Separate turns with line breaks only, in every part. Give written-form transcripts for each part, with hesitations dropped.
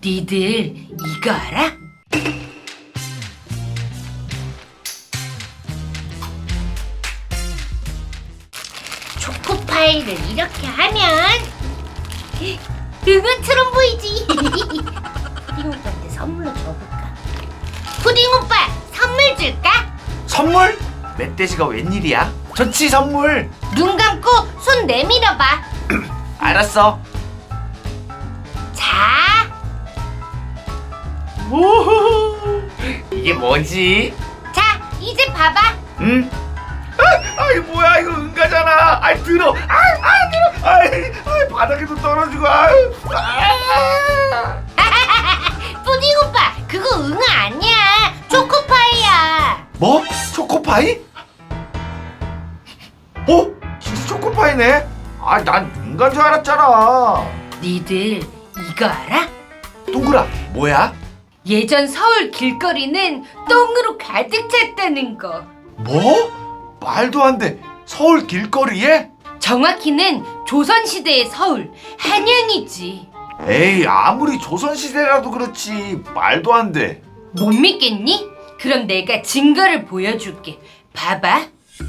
니들 이거 알아?
초코파이를 이렇게 하면 응원처럼 보이지. 푸딩 오빠한테 선물로 줘볼까? 푸딩 오빠 선물 줄까?
선물? 멧돼지가 웬일이야? 좋지 선물.
눈 감고 손 내밀어봐.
알았어.
자,
오호호. 이게 뭐지?
자 이제 봐봐.
응? 아이 뭐야 이거 응가잖아. 아이 들어. 들어. 아이 바닥에도 떨어지고.
푸딩 오빠 그거 응아 아니야. 초코파이야.
뭐? 초코파이? 진짜 초코파이네. 난 응가인 줄 알았잖아.
니들 이거 알아?
동그라 뭐야?
예전 서울 길거리는 똥으로 가득 찼다는 거.
뭐? 말도 안 돼. 서울 길거리에?
정확히는 조선시대의 서울, 한양이지.
에이 아무리 조선시대라도 그렇지 말도 안 돼.
못 믿겠니? 그럼 내가 증거를 보여줄게. 봐봐.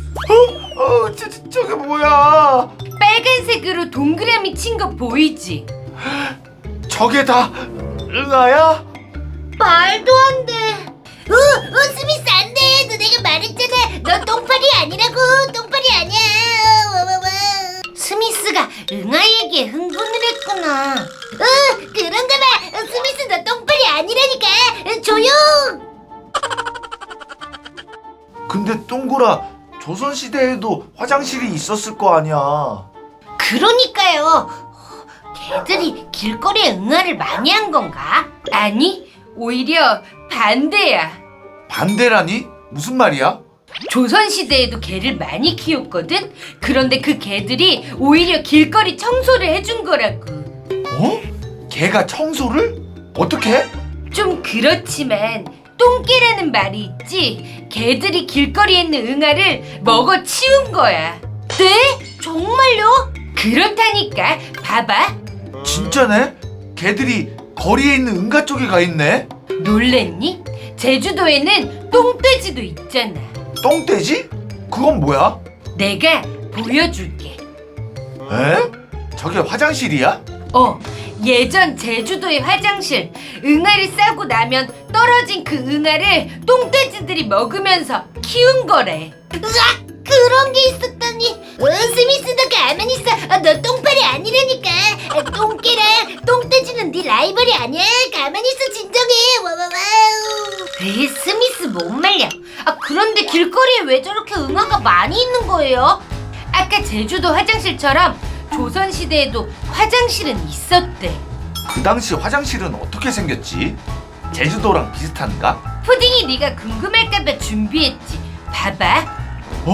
저게 뭐야?
빨간색으로 동그라미 친 거 보이지?
저게 다 응아야?
말도 안 돼. 스미스 안 돼. 너 내가 말했잖아. 너 똥파리 아니라고. 똥파리 아니야. 스미스가 응아에게 흥분을 했구나. 그런가 봐. 스미스 너 똥파리 아니라니까. 조용.
근데 동그라 조선시대에도 화장실이 있었을 거 아니야.
그러니까요. 걔들이 길거리에 응아를 많이 한 건가?
아니, 오히려 반대야.
반대라니? 무슨 말이야?
조선시대에도 개를 많이 키웠거든? 그런데 그 개들이 오히려 길거리 청소를 해준 거라고.
개가 청소를? 어떻게?
좀 그렇지만 똥개라는 말이 있지. 개들이 길거리에 있는 응아를 먹어 치운 거야.
네? 정말요?
그렇다니까. 봐봐.
진짜네? 개들이 거리에 있는 응가 쪽에 가 있네?
놀랬니? 제주도에는 똥돼지도 있잖아.
똥돼지? 그건 뭐야?
내가 보여줄게.
에? 저게 화장실이야?
예전 제주도의 화장실. 응아를 싸고 나면 떨어진 그 응아를 똥돼지들이 먹으면서 키운 거래.
으악! 그런 게 있었다니. 스미스 너 가만히 있어. 너 똥파리 아니라니까. 똥개랑 똥돼지는 네 라이벌이 아니야. 가만히 있어. 진정해. 와와와우. 스미스 못 말려. 그런데 길거리에 왜 저렇게 응아가 많이 있는 거예요?
아까 제주도 화장실처럼 조선시대에도 화장실은 있었대.
그 당시 화장실은 어떻게 생겼지? 제주도랑 비슷한가?
푸딩이 네가 궁금할까봐 준비했지. 봐봐.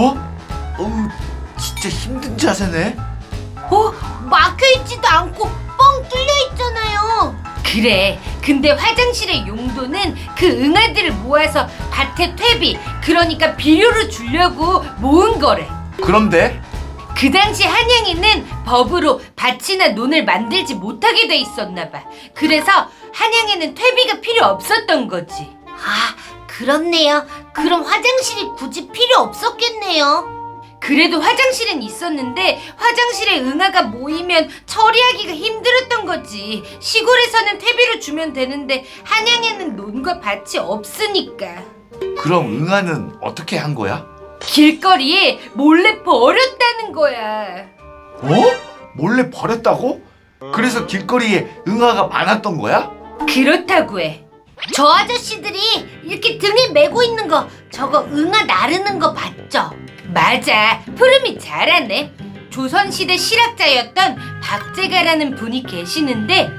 진짜 힘든 자세네.
막혀있지도 않고 뻥 뚫려있잖아요.
그래. 근데 화장실의 용도는 그 응아들을 모아서 밭에 퇴비, 그러니까 비료를 주려고 모은 거래.
그런데
그 당시 한양에는 법으로 밭이나 논을 만들지 못하게 돼 있었나 봐. 그래서 한양에는 퇴비가 필요 없었던 거지.
그렇네요. 그럼 화장실이 굳이 필요 없었겠네요.
그래도 화장실은 있었는데 화장실에 응아가 모이면 처리하기가 힘들었던 거지. 시골에서는 퇴비를 주면 되는데 한양에는 논과 밭이 없으니까.
그럼 응아는 어떻게 한 거야?
길거리에 몰래 버렸다는 거야.
몰래 버렸다고? 그래서 길거리에 응아가 많았던 거야?
그렇다고 해.
저 아저씨들이 이렇게 등에 메고 있는 거 저거 응아 나르는 거 봤죠?
맞아. 푸름이 잘하네. 조선시대 실학자였던 박제가라는 분이 계시는데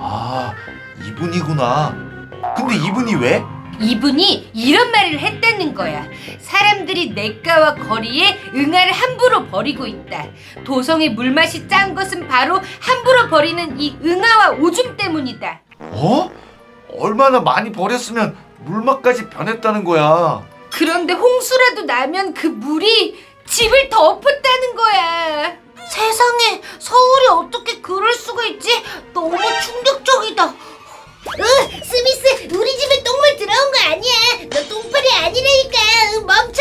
이분이구나. 근데 이분이 왜?
이분이 이런 말을 했다는 거야. 사람들이 냇가와 거리에 응아를 함부로 버리고 있다. 도성의 물맛이 짠 것은 바로 함부로 버리는 이 응아와 오줌 때문이다.
얼마나 많이 버렸으면 물맛까지 변했다는 거야.
그런데 홍수라도 나면 그 물이 집을 덮었다는 거야.
세상에 서울이 어떻게 그럴 수가 있지? 너무 충격적이다. 스미스, 우리 집에 똥물 들어온 거 아니야. 너 똥파리 아니라니까. 멈춰.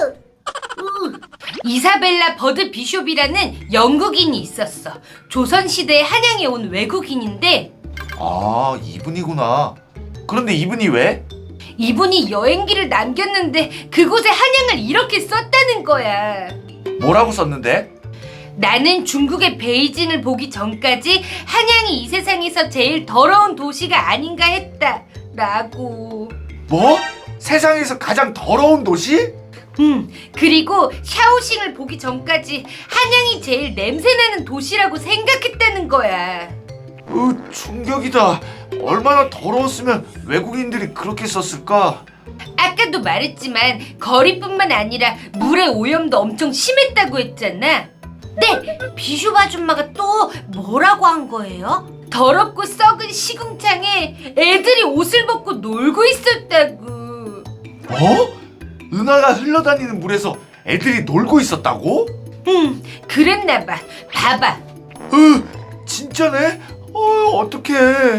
이사벨라 버드 비숍이라는 영국인이 있었어. 조선시대에 한양에 온 외국인인데
아, 이분이구나. 그런데 이분이 왜?
이분이 여행기를 남겼는데 그곳에 한양을 이렇게 썼다는 거야.
뭐라고 썼는데?
나는 중국의 베이징을 보기 전까지 한양이 이 세상에서 제일 더러운 도시가 아닌가 했다 라고.
뭐? 세상에서 가장 더러운 도시?
그리고 샤오싱을 보기 전까지 한양이 제일 냄새나는 도시라고 생각했다는 거야.
충격이다. 얼마나 더러웠으면 외국인들이 그렇게 썼을까?
아까도 말했지만 거리뿐만 아니라 물의 오염도 엄청 심했다고 했잖아.
네, 비숍 아줌마가 또 뭐라고 한 거예요?
더럽고 썩은 시궁창에 애들이 옷을 벗고 놀고 있었다고.
어? 은하가 흘러다니는 물에서 애들이 놀고 있었다고?
그랬나봐. 봐봐.
진짜네? 어떡해.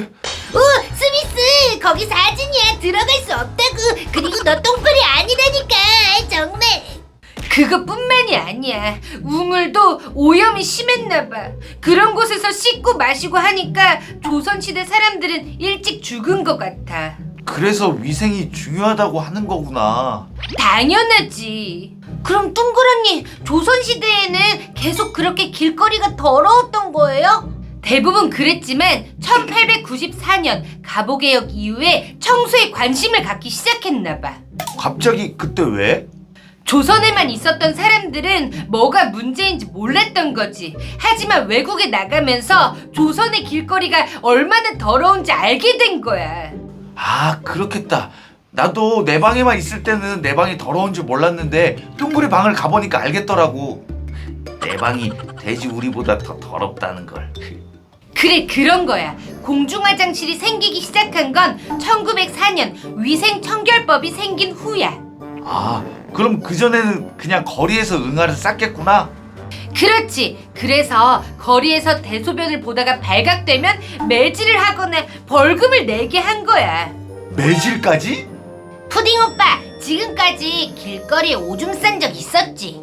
스미스, 거기 사진이야. 들어갈 수 없다고. 그리고 너 똥파리 아니라니까. 정말.
그것뿐만이 아니야. 우물도 오염이 심했나봐. 그런 곳에서 씻고 마시고 하니까 조선시대 사람들은 일찍 죽은 것 같아.
그래서 위생이 중요하다고 하는 거구나.
당연하지.
그럼 둥그런니, 조선시대에는 계속 그렇게 길거리가 더러웠던 거예요?
대부분 그랬지만 1894년 갑오개혁 이후에 청소에 관심을 갖기 시작했나봐.
갑자기 그때 왜?
조선에만 있었던 사람들은 뭐가 문제인지 몰랐던 거지. 하지만 외국에 나가면서 조선의 길거리가 얼마나 더러운지 알게 된 거야.
아, 그렇겠다. 나도 내 방에만 있을 때는 내 방이 더러운 줄 몰랐는데 둥그리 방을 가보니까 알겠더라고. 내 방이 돼지 우리보다 더 더럽다는 걸.
그래, 그런 거야. 공중화장실이 생기기 시작한 건 1904년 위생청결법이 생긴 후야.
아, 그럼 그전에는 그냥 거리에서 응아를 쌌겠구나.
그렇지. 그래서 거리에서 대소변을 보다가 발각되면 매질을 하거나 벌금을 내게 한 거야.
매질까지?
푸딩 오빠, 지금까지 길거리에 오줌 싼 적 있었지?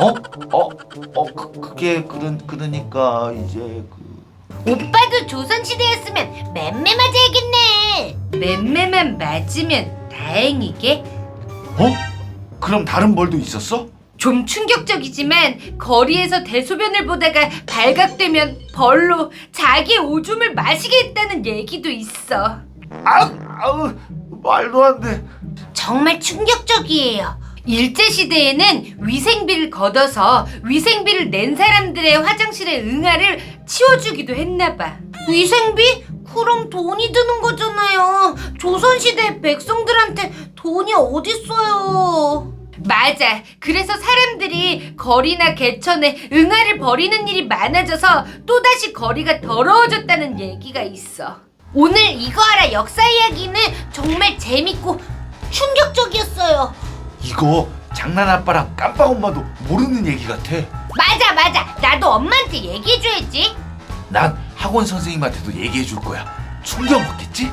그게 그러니까 이제
오빠도 조선시대였으면 맴매 맞아야겠네.
맴매만 맞으면 다행이게.
그럼 다른 벌도 있었어?
좀 충격적이지만 거리에서 대소변을 보다가 발각되면 벌로 자기 오줌을 마시게 했다는 얘기도 있어.
아우, 말도 안 돼.
정말 충격적이에요.
일제시대에는 위생비를 걷어서 위생비를 낸 사람들의 화장실의 응아를 치워주기도 했나봐.
위생비? 그럼 돈이 드는 거잖아요. 조선시대 백성들한테 돈이 어딨어요.
맞아. 그래서 사람들이 거리나 개천에 응아를 버리는 일이 많아져서 또다시 거리가 더러워졌다는 얘기가 있어.
오늘 이거 알아 역사 이야기는 정말 재밌고 충격적이었어요.
이거 장난 아빠랑 깜빡 엄마도 모르는 얘기 같아.
맞아. 나도 엄마한테 얘기해줘야지.
난 학원 선생님한테도 얘기해 줄 거야. 충격 먹겠지?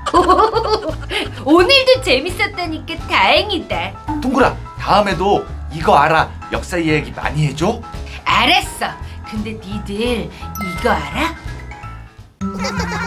오늘도 재밌었다니까 다행이다.
동그라, 다음에도 이거 알아 역사 이야기 많이 해줘.
알았어. 근데 니들 이거 알아?